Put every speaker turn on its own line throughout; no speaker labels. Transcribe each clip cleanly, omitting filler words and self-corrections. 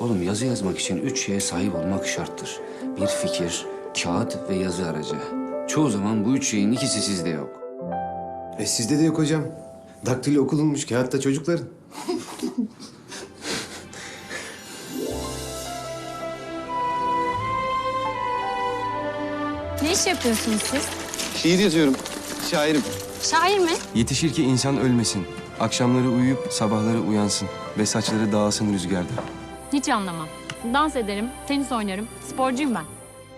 Oğlum yazı yazmak için 3 şeye sahip olmak şarttır. Bir fikir, kağıt ve yazı aracı. Çoğu zaman bu 3 şeyin ikisi sizde yok.
Sizde de yok hocam. Daktilo okulunmuş, kağıtta çocukların.
Ne iş yapıyorsunuz siz?
Şiir yazıyorum. Şairim.
Şair mi?
Yetişir ki insan ölmesin. Akşamları uyuyup sabahları uyansın. Ve saçları dağılsın rüzgarda.
Hiç anlamam. Dans ederim, tenis oynarım, sporcuyum ben.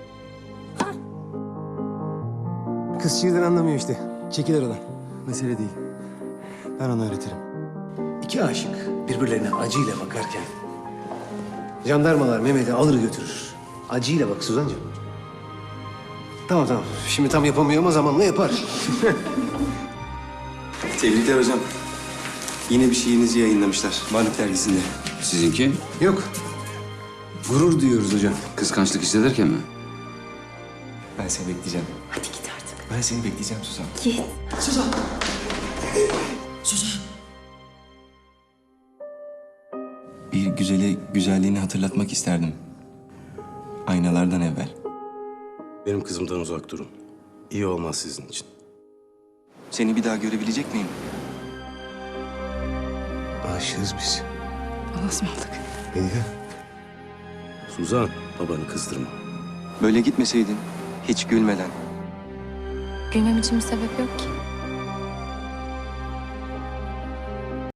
Kız şiirden anlamıyor işte. Çekil aradan.
Mesele değil. Ben ona öğretirim.
İki aşık birbirlerine acıyla bakarken... jandarmalar Mehmet'i alır götürür. Acıyla bak Suzancığım. Tamam. Şimdi tam yapamıyor ama zamanla yapar.
Tebrikler hocam. Yine bir şiirinizi yayınlamışlar. Varlık dergisinde.
Sizinki?
Yok. Gurur duyuyoruz hocam.
Kıskançlık hissederken mi?
Ben seni bekleyeceğim.
Hadi git artık.
Ben seni bekleyeceğim Suzan.
Git.
Bir güzele güzelliğini hatırlatmak isterdim. Aynalardan evvel.
Benim kızımdan uzak durun. İyi olmaz sizin için.
Seni bir daha görebilecek miyim?
Aşığız biz.
Allah'a ısmarladık.
Melike.
Suzan, babanı kızdırma.
Böyle gitmeseydin, hiç gülmeden.
Gülmem için bir sebep yok ki.